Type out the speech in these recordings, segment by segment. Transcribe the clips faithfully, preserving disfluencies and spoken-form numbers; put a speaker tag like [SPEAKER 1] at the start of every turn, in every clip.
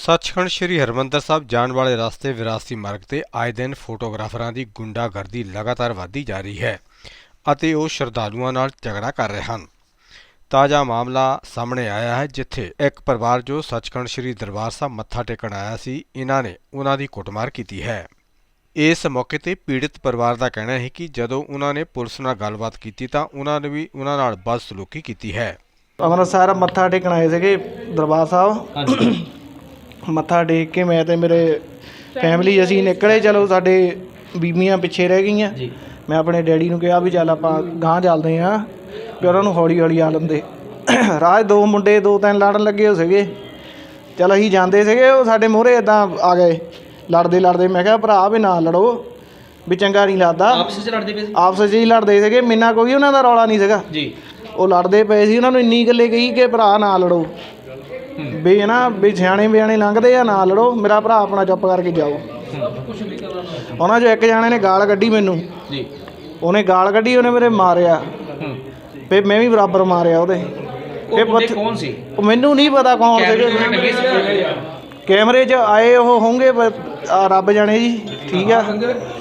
[SPEAKER 1] ਸੱਚਖੰਡ ਸ਼੍ਰੀ ਹਰਿਮੰਦਰ ਸਾਹਿਬ ਜਾਣ ਵਾਲੇ ਰਸਤੇ ਵਿਰਾਸਤੀ ਮਾਰਗ ਤੇ ਆਏ ਦਿਨ ਫੋਟੋਗ੍ਰਾਫਰਾਂ ਦੀ ਗੁੰਡਾਗਰਦੀ ਲਗਾਤਾਰ ਵਧਦੀ ਜਾ ਰਹੀ ਹੈ ਅਤੇ ਉਹ ਸ਼ਰਧਾਲੂਆਂ ਨਾਲ ਝਗੜਾ ਕਰ ਰਹੇ ਹਨ। ਤਾਜ਼ਾ ਮਾਮਲਾ ਸਾਹਮਣੇ ਆਇਆ ਹੈ ਜਿੱਥੇ ਇੱਕ ਪਰਿਵਾਰ ਜੋ ਸੱਚਖੰਡ ਸ਼੍ਰੀ ਦਰਬਾਰ ਸਾਹਿਬ ਮੱਥਾ ਟੇਕਣ ਆਇਆ ਸੀ, ਇਹਨਾਂ ਨੇ ਉਹਨਾਂ ਦੀ ਕੁੱਟਮਾਰ ਕੀਤੀ ਹੈ। ਇਸ ਮੌਕੇ ਤੇ ਪੀੜਿਤ ਪਰਿਵਾਰ ਦਾ ਕਹਿਣਾ ਹੈ ਕਿ ਜਦੋਂ ਉਹਨਾਂ ਨੇ ਪੁਲਿਸ ਨਾਲ ਗੱਲਬਾਤ ਕੀਤੀ ਤਾਂ ਉਹਨਾਂ ਨੇ ਵੀ ਉਹਨਾਂ ਨਾਲ ਬਦਸਲੂਕੀ ਕੀਤੀ ਹੈ।
[SPEAKER 2] ਅੰਮ੍ਰਿਤਸਰ ਮੱਥਾ ਟੇਕਣ ਆਏ ਸੀਗੇ ਦਰਬਾਰ ਸਾਹਿਬ। ਮੱਥਾ ਟੇਕ ਕੇ ਮੈਂ ਤੇ ਮੇਰੇ ਫੈਮਿਲੀ ਅਸੀਂ ਨਿਕਲੇ। ਚਲੋ ਸਾਡੇ ਬੀਬੀਆਂ ਪਿੱਛੇ ਰਹਿ ਗਈਆਂ। ਮੈਂ ਆਪਣੇ ਡੈਡੀ ਨੂੰ ਕਿਹਾ ਵੀ ਚੱਲ ਆਪਾਂ ਗਾਂਹ ਚੱਲਦੇ ਹਾਂ, ਵੀ ਉਹਨਾਂ ਨੂੰ ਹੌਲੀ ਹੌਲੀ ਆ ਲੰਦੇ। ਰਾਹ ਦੋ ਮੁੰਡੇ ਦੋ ਤਿੰਨ ਲੜਨ ਲੱਗੇ ਹੋ ਸੀਗੇ। ਚਲ ਅਸੀਂ ਜਾਂਦੇ ਸੀਗੇ, ਉਹ ਸਾਡੇ ਮੂਹਰੇ ਇੱਦਾਂ ਆ ਗਏ ਲੜਦੇ ਲੜਦੇ। ਮੈਂ ਕਿਹਾ ਭਰਾ ਵੀ ਨਾ ਲੜੋ, ਵੀ ਚੰਗਾ ਨਹੀਂ ਲੱਗਦਾ।
[SPEAKER 3] ਆਪਸ 'ਚ ਲੜਦੇ ਪਏ ਸੀ
[SPEAKER 2] ਆਪਸ 'ਚ ਹੀ ਲੜਦੇ ਸੀਗੇ। ਮੈਨਾਂ ਕੋਈ ਉਹਨਾਂ ਦਾ ਰੌਲਾ ਨਹੀਂ ਸੀਗਾ ਜੀ। ਉਹ ਲੜਦੇ ਪਏ ਸੀ। ਉਹਨਾਂ ਨੂੰ ਇੰਨੀ ਗੱਲੇ ਕਹੀ ਕਿ ਭਰਾ ਨਾ ਲੜੋ, ਵੀ ਨਾ ਵੀ ਸਿਆਣੇ ਬਿਆਣੇ ਲੰਘਦੇ ਆ, ਨਾ ਲੜੋ। ਮੇਰਾ ਭਰਾ ਆਪਣਾ ਚੁੱਪ ਕਰਕੇ ਜਾਓ। ਉਹਨਾਂ 'ਚੋਂ ਇੱਕ ਜਾਣੇ ਨੇ ਗਾਲ ਕੱਢੀ ਮੈਨੂੰ ਜੀ। ਉਹਨੇ ਗਾਲ ਕੱਢੀ, ਉਹਨੇ ਮੇਰੇ ਮਾਰਿਆ, ਫਿਰ ਮੈਂ ਵੀ ਬਰਾਬਰ ਮਾਰਿਆ ਉਹਦੇ।
[SPEAKER 3] ਫਿਰ ਕੌਣ ਸੀ?
[SPEAKER 2] ਉਹ ਮੈਨੂੰ ਨਹੀਂ ਪਤਾ ਕੌਣ ਸੀਗੇ। ਕੈਮਰੇ 'ਚ ਆਏ ਉਹ ਹੋਣਗੇ, ਰੱਬ ਜਾਣੇ ਜੀ। ਠੀਕ ਆ,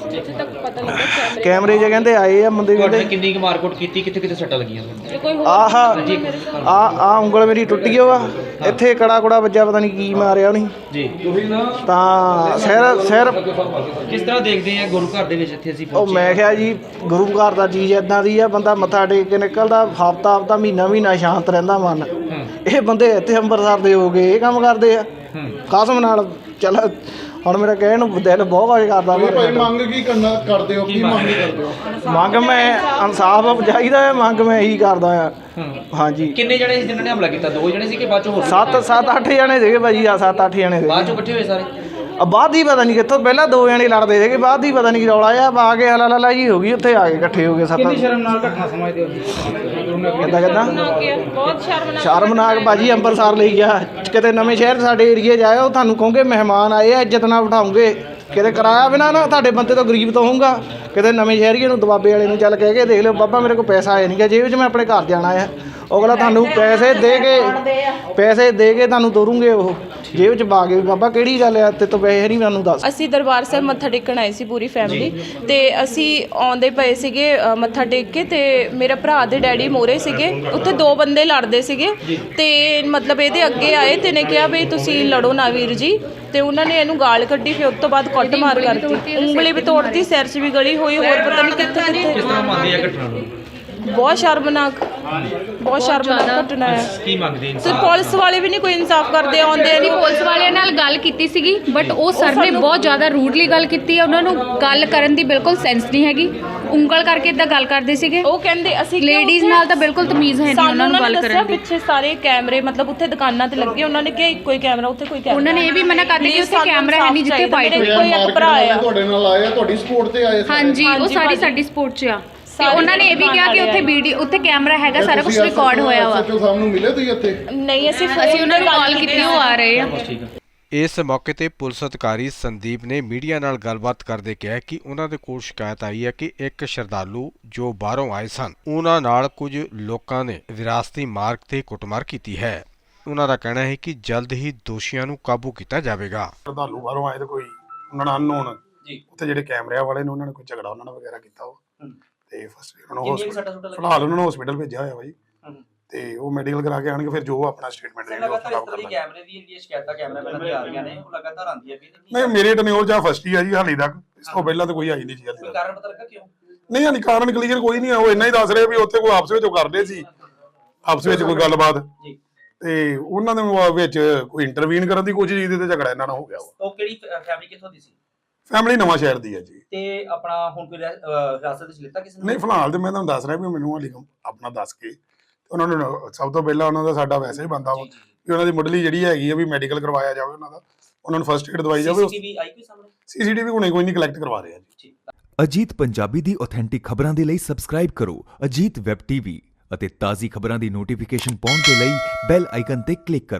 [SPEAKER 2] ਕੈਮਰੇ 'ਚ ਕਹਿੰਦੇ ਆਏ ਆ ਬੰਦੇ। ਕਹਿੰਦੇ
[SPEAKER 3] ਕਿੰਨੀ ਕੁ ਮਾਰਕੁੱਟ ਕੀਤੀ, ਕਿੱਥੇ ਕਿੱਥੇ ਸੱਟਾਂ ਲੱਗੀਆਂ?
[SPEAKER 2] ਆਹ ਆ ਆ ਉਂਗਲ ਮੇਰੀ ਟੁੱਟੀ ਓ ਆ, ਇੱਥੇ ਕੜਾ ਕੁੜਾ ਵੱਜਾ, ਪਤਾ ਨਹੀਂ ਕੀ ਮਾਰਿਆ ਉਹਨੇ ਜੀ। ਤਾਂ ਸਿਰ ਸਿਰ
[SPEAKER 3] ਕਿਸ ਤਰ੍ਹਾਂ ਦੇਖਦੇ ਆ ਗੁਰੂ ਘਰ ਦੇ ਵਿੱਚ ਇੱਥੇ ਅਸੀਂ
[SPEAKER 2] ਉਹ ਮੈਂ ਕਿਹਾ ਜੀ ਗੁਰੂ ਘਰ ਦਾ ਚੀਜ਼ ਇੱਦਾਂ ਦੀ ਆ, ਬੰਦਾ ਮੱਥਾ ਟੇਕ ਕੇ ਨਿਕਲਦਾ, ਹਫ਼ਤਾ ਹਫ਼ਤਾ ਮਹੀਨਾ ਮਹੀਨਾ ਸ਼ਾਂਤ ਰਹਿੰਦਾ ਮਨ। ਇਹ ਬੰਦੇ ਇੱਥੇ ਅੰਮ੍ਰਿਤਸਰ ਦੇ ਹੋ ਗਏ, ਇਹ ਕੰਮ ਕਰਦੇ ਆ ਕਸਮ ਨਾਲ। ਚੱਲ ਹੁਣ ਮੇਰਾ ਕਹਿਣ ਨੂੰ ਦਿਲ ਬਹੁਤ ਕੁਝ ਕਰਦਾ।
[SPEAKER 4] ਮੰਗ ਕੀ ਕਰਨਾ ਕਰਦੇ ਹੋ? ਕੀ ਮੰਗ ਕਰਦੇ ਹੋ?
[SPEAKER 2] ਮੰਗ ਮੈਂ ਇਨਸਾਫ ਚਾਹੀਦਾ ਹੈ। ਮੰਗ ਮੈਂ ਇਹੀ ਕਰਦਾ ਆ। ਹਾਂਜੀ।
[SPEAKER 3] ਕਿੰਨੇ ਜਣੇ ਸੀ ਜਿਨ੍ਹਾਂ ਨੇ ਹਮਲਾ ਕੀਤਾ? ਦੋ ਜਣੇ ਸੀ ਕਿ ਬਾਅਦ ਚੋਂ ਹੋਰ?
[SPEAKER 2] ਸੱਤ ਸੱਤ ਅੱਠ ਜਣੇ ਸੀਗੇ ਭਾਜੀ। ਆ ਸੱਤ ਅੱਠ ਜਣੇ ਸੀਗੇ।
[SPEAKER 3] ਬਾਅਦ ਚੋਂ ਇਕੱਠੇ ਹੋਏ ਸਾਰੇ?
[SPEAKER 2] ਬਾਅਦ ਹੀ ਪਤਾ ਨਹੀਂ ਕਿੱਥੋਂ, ਪਹਿਲਾਂ ਦੋ ਜਣੇ ਲੜਦੇ ਸੀਗੇ, ਬਾਅਦ ਹੀ ਪਤਾ ਨਹੀਂ ਕੀ ਰੌਲਾ ਆ। ਆ ਕੇ ਹਲਾ ਲਾ ਜੀ ਹੋ ਗਈ, ਉੱਥੇ ਆ ਕੇ ਇਕੱਠੇ ਹੋ ਗਏ ਸੱਤ। ਕਿੰਨੀ ਸ਼ਰਮਨਾਕ ਘਟਨਾ ਸਮਝਦੇ ਹੋ? ਕਿੱਦਾਂ ਕਿੱਦਾਂ
[SPEAKER 5] ਬਹੁਤ ਸ਼ਰਮਨਾਕ
[SPEAKER 2] ਸ਼ਰਮਨਾਕ ਭਾਜੀ। ਅੰਮ੍ਰਿਤਸਰ ਲਈ ਗਿਆ, ਕਿਤੇ ਨਵੇਂ ਸ਼ਹਿਰ ਸਾਡੇ ਏਰੀਏ 'ਚ ਆਇਆ, ਉਹ ਤੁਹਾਨੂੰ ਕਹੋਗੇ ਮਹਿਮਾਨ ਆਏ ਆ, ਇੱਜ਼ਤ ਨਾਲ ਬਿਠਾਉਂਗੇ। ਕਿਤੇ ਕਿਰਾਇਆ ਬਿਨਾਂ ਨਾ ਤੁਹਾਡੇ ਬੰਦੇ ਤੋਂ ਗਰੀਬ ਤੋਂ ਹੋਊਗਾ। ਕਿਤੇ ਨਵੇਂ ਸ਼ਹਿਰੀਏ ਨੂੰ ਦਬਾਬੇ ਵਾਲੇ ਨੂੰ ਚੱਲ ਕਹਿ ਕੇ ਦੇਖ ਲਿਓ, ਬਾਬਾ ਮੇਰੇ ਕੋਲ ਪੈਸਾ ਆਇਆ ਨਹੀਂ ਗਾ ਜੇਬ 'ਚ, ਮੈਂ ਆਪਣੇ ਘਰ ਜਾਣਾ ਆ। ਅਗਲਾ ਤੁਹਾਨੂੰ ਪੈਸੇ ਦੇ ਕੇ ਪੈਸੇ ਦੇ ਕੇ ਤੁਹਾਨੂੰ ਤੋਰੂਗੇ, ਉਹ ਜੇਬ 'ਚ ਪਾ ਕੇ। ਬਾਬਾ ਕਿਹੜੀ ਗੱਲ ਆ, ਤੇ ਤੋਂ ਪੈਸੇ ਨਹੀਂ ਮੈਨੂੰ ਦੱਸ।
[SPEAKER 5] ਅਸੀਂ ਦਰਬਾਰ ਸਾਹਿਬ ਮੱਥਾ ਟੇਕਣ ਆਏ ਸੀ ਪੂਰੀ ਫੈਮਿਲੀ, ਤੇ ਅਸੀਂ ਆਉਂਦੇ ਪਏ ਸੀਗੇ ਮੱਥਾ ਟੇਕ ਕੇ, ਤੇ ਮੇਰੇ ਭਰਾ ਦੇ ਡੈਡੀ ਮੋਰੇ ਸੀਗੇ। ਉੱਥੇ ਦੋ ਬੰਦੇ ਲੜਦੇ ਸੀਗੇ, ਤੇ ਮਤਲਬ ਇਹਦੇ ਅੱਗੇ ਆਏ ਤੇ ਨੇ ਕਿਹਾ ਵੀ ਤੁਸੀਂ ਲੜੋ ਨਾ ਵੀਰ ਜੀ। ਤੇ ਉਹਨਾਂ ਨੇ ਇਹਨੂੰ ਗਾਲ ਕੱਢੀ, ਫਿਰ ਉਸ ਤੋਂ ਬਾਅਦ ਕੁੱਟ ਮਾਰ ਕਰਤੀ, ਉਂਗਲੀ ਵੀ ਤੋੜਤੀ, ਸਿਰ 'ਚ ਵੀ ਗਲੀ ਹੋਈ, ਹੋਰ ਪਤਾ ਨਹੀਂ ਕਿੱਥੇ ਕਿੱਥੇ।
[SPEAKER 3] ਕਿਸ ਤਰ੍ਹਾਂ ਮੰਨਦੇ ਆ ਘਟਨਾ ਨੂੰ?
[SPEAKER 5] ਬਹੁਤ ਸ਼ਰਮਨਾਕ ਬਹੁਤ ਸ਼ਰਮਨਾਕ ਘਟਨਾ ਹੈ।
[SPEAKER 3] ਕੀ ਮੰਗਦੇ
[SPEAKER 5] ਤੇ ਪੁਲਿਸ ਵਾਲੇ ਵੀ ਨਹੀਂ ਕੋਈ ਇਨਸਾਫ ਕਰਦੇ, ਆਉਂਦੇ ਨਹੀਂ।
[SPEAKER 6] ਪੁਲਿਸ ਵਾਲਿਆਂ ਨਾਲ ਗੱਲ ਕੀਤੀ ਸੀਗੀ, ਬਟ ਉਹ ਸਰ ਨੇ ਬਹੁਤ ਜ਼ਿਆਦਾ ਰੂਡਲੀ ਗੱਲ ਕੀਤੀ ਹੈ। ਉਹਨਾਂ ਨੂੰ ਗੱਲ ਕਰਨ ਦੀ ਬਿਲਕੁਲ ਸੈਂਸ ਨਹੀਂ ਹੈਗੀ। ਉਂਗਲ ਕਰਕੇ ਇਦਾਂ ਗੱਲ ਕਰਦੇ ਸੀਗੇ।
[SPEAKER 5] ਉਹ ਕਹਿੰਦੇ ਅਸੀਂ
[SPEAKER 6] ਲੇਡੀਜ਼ ਨਾਲ ਤਾਂ ਬਿਲਕੁਲ ਤਮੀਜ਼ ਹੈ ਨਹੀਂ ਉਹਨਾਂ ਨੂੰ ਗੱਲ ਕਰਨ ਦੀ।
[SPEAKER 5] ਪਿੱਛੇ ਸਾਰੇ ਕੈਮਰੇ ਮਤਲਬ ਉੱਥੇ ਦੁਕਾਨਾਂ ਤੇ ਲੱਗੇ, ਉਹਨਾਂ ਨੇ ਕਿਹਾ ਇੱਕੋ ਹੀ ਕੈਮਰਾ, ਉੱਥੇ ਕੋਈ ਕੈਮਰਾ।
[SPEAKER 6] ਉਹਨਾਂ ਨੇ ਇਹ ਵੀ ਮਨਾ ਕਰ ਦਿੱਤਾ ਕਿ ਉੱਥੇ ਕੈਮਰਾ ਹੈ ਨਹੀਂ ਜਿੱਥੇ ਫਾਈਟ ਹੋਈ।
[SPEAKER 5] ਕੋਈ ਇੱਕ ਭਰਾ ਆ
[SPEAKER 4] ਤੁਹਾਡੇ ਨਾਲ ਆਇਆ, ਤੁਹਾਡੀ ਸਪੋਰਟ ਤੇ ਆਏ?
[SPEAKER 6] ਹਾਂਜੀ, ਉਹ ਸਾਰੀ ਸਾਡੀ ਸਪੋਰਟ 'ਚ ਆ। ਤੇ ਉਹਨਾਂ ਨੇ ਇਹ ਵੀ ਕਿਹਾ ਕਿ ਉੱਥੇ ਵੀਡੀਓ, ਉੱਥੇ ਕੈਮਰਾ ਹੈਗਾ, ਸਾਰਾ ਕੁਝ ਰਿਕਾਰਡ ਹੋਇਆ ਵਾ।
[SPEAKER 4] ਐਸਐਚਓ ਸਾਹਿਬ ਨੂੰ ਮਿਲੇ ਤੁਸੀਂ ਇੱਥੇ?
[SPEAKER 5] ਨਹੀਂ, ਅਸੀਂ
[SPEAKER 6] ਅਸੀਂ ਉਹਨਾਂ ਨੂੰ ਕਾਲ ਕੀਤੀ, ਉਹ ਆ ਰਹੇ ਆ।
[SPEAKER 1] ਇਸ ਮੌਕੇ ਤੇ ਪੁਲਿਸ ਅਧਿਕਾਰੀ ਸੰਦੀਪ ਨੇ ਮੀਡੀਆ ਨਾਲ ਗੱਲਬਾਤ ਕਰਦੇ ਕਿਹਾ ਕਿ ਉਹਨਾਂ ਦੇ ਕੋਲ ਸ਼ਿਕਾਇਤ ਆਈ ਹੈ ਕਿ ਇੱਕ ਸ਼ਰਧਾਲੂ ਜੋ ਬਾਹਰੋਂ ਆਏ ਸਨ, ਉਹਨਾਂ ਨਾਲ ਕੁਝ ਲੋਕਾਂ ਨੇ ਵਿਰਾਸਤੀ ਮਾਰਗ ਤੇ ਕੁੱਟਮਾਰ ਕੀਤੀ ਹੈ। ਉਹਨਾਂ ਦਾ ਕਹਿਣਾ ਹੈ ਕਿ ਜਲਦ ਹੀ ਦੋਸ਼ੀਆਂ ਨੂੰ ਕਾਬੂ ਕੀਤਾ ਜਾਵੇਗਾ।
[SPEAKER 4] ਸ਼ਰਧਾਲੂ ਬਾਹਰੋਂ ਆਏ ਤੇ ਕੋਈ ਉਹਨਾਂ ਨਾਲ ਅਨਨੋਨ ਜੀ, ਉੱਥੇ ਜਿਹੜੇ ਕੈਮਰਿਆਂ ਵਾਲੇ ਨੇ ਉਹਨਾਂ ਨੇ ਕੋਈ ਝਗੜਾ ਉਹਨਾਂ ਨਾਲ ਵਗੈਰਾ ਕੀਤਾ ਉਹ, ਤੇ ਫਸਟ ਉਹਨਾਂ ਨੂੰ ਫਿਲਹਾਲ ਉਹਨਾਂ ਨੂੰ ਹਸਪੀਟਲ ਭੇਜਿਆ ਹੋਇਆ ਬਾਈ, ਤੇ ਉਹ ਮੈਡੀਕਲ ਕਰਾ ਕੇ ਆਣਗੇ, ਫਿਰ ਜੋ ਆਪਣਾ ਸਟੇਟਮੈਂਟ ਦੇਣਗੇ ਉਹ ਖਰਾਬ ਕਰਨਾ।
[SPEAKER 3] ਕੈਮਰੇ ਦੀ ਜਿਹੜੀ ਸ਼ਿਕਾਇਤਾਂ ਕੈਮਰਾਮੈਨਾਂ ਦੀ ਆ ਰਹੀਆਂ ਨੇ, ਉਹ ਲਗਾਤਾਰ ਆਉਂਦੀਆਂ ਵੀ
[SPEAKER 4] ਨਹੀਂ, ਮੇਰੇ ਟਨਿਓਰ ਜਾਂ ਫਸਟ ਹੀ ਆ ਜੀ ਹਾਲੇ ਤੱਕ। ਇਸ ਤੋਂ ਪਹਿਲਾਂ ਤਾਂ ਕੋਈ ਆਈ ਨਹੀਂ ਜੀ ਹਾਲੇ।
[SPEAKER 3] ਕੋਈ ਕਾਰਨ ਪਤਾ ਲੱਗਾ ਕਿਉਂ?
[SPEAKER 4] ਨਹੀਂ ਹਾਲੇ ਕਾਰਨ ਕਲੀਅਰ ਕੋਈ ਨਹੀਂ ਆ। ਉਹ ਇੰਨਾ ਹੀ ਦੱਸ ਰਹੇ ਵੀ ਉੱਥੇ ਕੋਈ ਆਪਸ ਵਿੱਚ ਉਹ ਕਰਦੇ ਸੀ, ਆਪਸ ਵਿੱਚ ਕੋਈ ਗੱਲਬਾਤ, ਤੇ ਉਹਨਾਂ ਦੇ ਵਿੱਚ ਕੋਈ ਇੰਟਰਵੀਨ ਕਰਨ ਦੀ ਕੋਸ਼ਿਸ਼ ਕੀਤੀ ਤੇ ਝਗੜਾ ਇਹਨਾਂ ਨਾਲ ਹੋ ਗਿਆ।
[SPEAKER 3] ਉਹ ਕਿਹੜੀ ਫੈਮਿਲੀ ਕਿੱਥੋਂ ਦੀ ਸੀ?
[SPEAKER 4] ਫੈਮਿਲੀ ਨਵਾਂ ਸ਼ਹਿਰ ਦੀ ਹੈ ਜੀ।
[SPEAKER 3] ਤੇ ਆਪਣਾ ਹੁਣ ਕੋਈ ਹਿਰਾਸਤ ਵਿੱਚ ਲਿੱਤਾ ਕਿਸੇ ਨੇ?
[SPEAKER 4] ਨਹੀਂ, ਫਿਲਹਾਲ ਤੇ ਮੈਂ ਤੁਹਾਨੂੰ ਦੱਸ ਰਿਹਾ ਵੀ ਮੈਨੂੰ ਹਾਲੇ ਆਪਣਾ ਦੱਸ ਕੇ ਉਹਨਾਂ ਨੂੰ ਸਭ ਤੋਂ ਪਹਿਲਾਂ ਉਹਨਾਂ ਦਾ ਸਾਡਾ ਵੈਸੇ ਹੀ ਬੰਦਾ ਵਾ ਕਿ ਉਹਨਾਂ ਦੀ ਮੁੱਢਲੀ ਜਿਹੜੀ ਹੈਗੀ ਆ ਵੀ ਮੈਡੀਕਲ ਕਰਵਾਇਆ ਜਾਵੇ, ਉਹਨਾਂ ਦਾ ਉਹਨਾਂ ਨੂੰ ਫਸਟ ਏਡ ਦਵਾਈ ਜਾਵੇ।
[SPEAKER 3] ਸੀਸੀਟੀਵੀ ਆਈ ਕੋਈ ਸਾਹਮਣੇ?
[SPEAKER 4] ਸੀਸੀਟੀਵੀ ਹੁਣੇ ਕੋਈ ਨਹੀਂ ਕਲੈਕਟ ਕਰਵਾ ਰਹੇ ਆ ਜੀ।
[SPEAKER 7] ਅਜੀਤ ਪੰਜਾਬੀ ਦੀ ਆਥੈਂਟਿਕ ਖਬਰਾਂ ਦੇ ਲਈ ਸਬਸਕ੍ਰਾਈਬ ਕਰੋ ਅਜੀਤ ਵੈਬ ਟੀਵੀ ਅਤੇ ਤਾਜ਼ੀ ਖਬਰਾਂ ਦੀ ਨੋਟੀਫਿਕੇਸ਼ਨ ਪਾਉਣ ਦੇ ਲਈ ਬੈਲ ਆਈਕਨ ਤੇ ਕਲਿੱਕ ਕਰੋ।